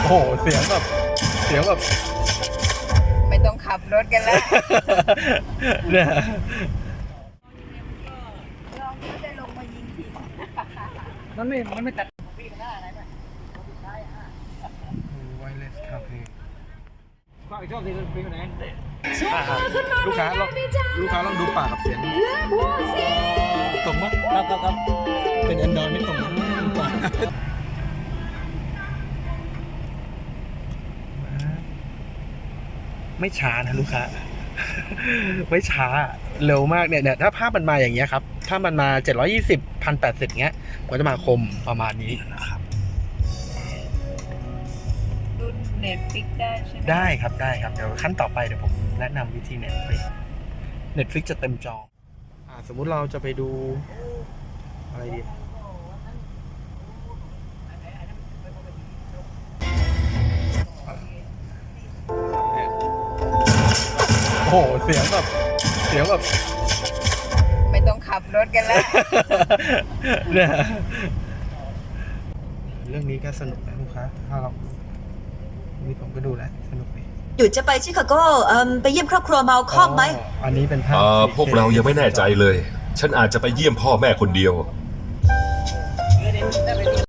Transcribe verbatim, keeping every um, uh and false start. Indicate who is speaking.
Speaker 1: โหเสียงแบบเสียงแบบ
Speaker 2: ไม่ต้องขับรถกันแล้ว
Speaker 1: เนี่ย
Speaker 2: ลองเขาจะลงมายิงที
Speaker 3: มันไม่มันไม่ตัด
Speaker 1: ไวเลสคาเฟ่
Speaker 3: ก็อีกชอบที่มันเป็นไหน
Speaker 1: ลูกค้าลองลูกค้าลองดูปากกับเสียงตรงมั้ยครับครับครับเป็นแอนดรอยไม่ตรงนะไม่ช้านะลูกค้าไม่ช้าเร็วมากเนี่ยเนี่ยถ้าภาพมันมาอย่างเงี้ยครับถ้ามันมาเจ็ดร้อยยี่สิบ หนึ่งพันแปดสิบเงี้ยก็จะมาคมประมาณนี้นะครับ
Speaker 2: รุ่นเน็ตฟิกได้ใช่ไหม
Speaker 1: ได้ครับได้ครับเดี๋ยวขั้นต่อไปเดี๋ยวผมแนะนำวิธี Netflix Netflix จะเต็มจออ่าสมมุติเราจะไปดูอะไรดีโอ้โหเสียงแบบเสียงแบบ
Speaker 2: ไม่ต้องขับรถกันแล้ว
Speaker 1: เนี่ยเรื่องนี้ก็สนุกนะลูกค้าถ้าเรานี่ผมก็ดูแล้วสนุกดี
Speaker 4: หยุดจะไปชิคาโกเอ่มไปเยี่ยมครอบครัวเมาคอมไหม
Speaker 1: อันนี้เป็นภาพ
Speaker 5: อ่าพวกเรายังไม่แน่ใจเลย ฉันอาจจะไปเยี่ยมพ่อแม่คนเดียว